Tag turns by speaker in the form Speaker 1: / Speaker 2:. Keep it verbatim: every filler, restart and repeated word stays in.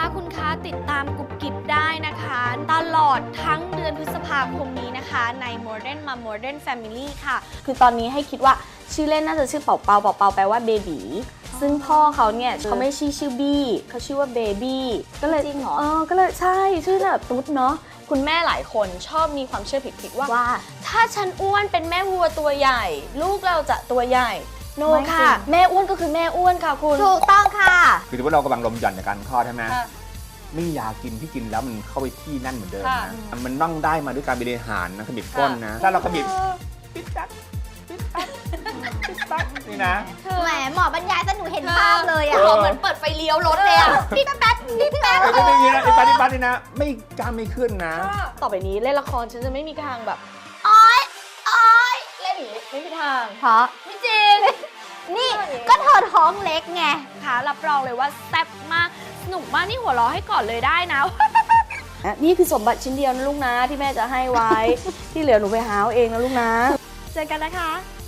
Speaker 1: คะคุณคะติดตามกุบกิบได้นะคะ ตลอดทั้งเดือนพฤษภาคมนี้นะคะใน Modern Mom Modern Family ค่ะคือตอนนี้ให้คิดว่าชื่อเล่นน่าจะชื่อเป่าเป่าเป่าเป่าแปลว่าเบบีซึ่งพ่อเขาเนี่ยเขาไม่ชื่อชื่อบี้เขาชื่อว่าเบบี้ก็เลยจริงเหรอเออก็เลยใช่ชื่อแบบตุ๊ดเนาะคุณแม่หลายคนชอบมีความเชื่อผิดๆว่าว่าถ้าฉันอ้วนเป็นแม่วัวตัวใหญ่ลูกเราจะตัวใหญ่โนค่ะแม่อ้วนก็คือแม่อ้วนค่ะคุณ
Speaker 2: ถูกต้องค่ะ
Speaker 3: คือถือว่าเรากำลังลมหย่อนในการคลอดใช่ไหมไม่มียากินที่กินแล้วมันเข้าไปที่นั่นเหมือนเดิมนะมันต้องได้มาด้วยการบริหารนะขมิบก้นนะถ้าเราขมิบปิดตักปิดตักปิดตักนี่นะ
Speaker 2: แหมหมอบรรยายแต่หนูเห็นภาพเลยอ่ะ
Speaker 1: เหมือนเปิดไฟเลี้ยวรถเลยอ่ะ
Speaker 2: ปิ๊บแป๊บปิ๊บแป๊บ
Speaker 3: ไม่ได้นะไอ้ปาดิบัตนี่นะไม่กล้าไม่ขึ้นนะ
Speaker 1: ต่อไปนี้เล่นละครฉันจะไม่มีทางแบบอ้อยอ้อยเล่นอย่างนี้ไม่มีทาง
Speaker 2: เพราะ
Speaker 1: ไม่จริง
Speaker 2: นี่ก็เธอท้องเล็กไง
Speaker 1: ค่ะรับรองเลยว่าแซ่บมากสนุกมากนี่หัวเราะให้ก่อนเลยได้นะ นี่คือสมบัติชิ้นเดียวนะลูกนะที่แม่จะให้ไว้ ที่เหลือหนูไปหาเอาเองนะลูกนะเจอกันนะคะ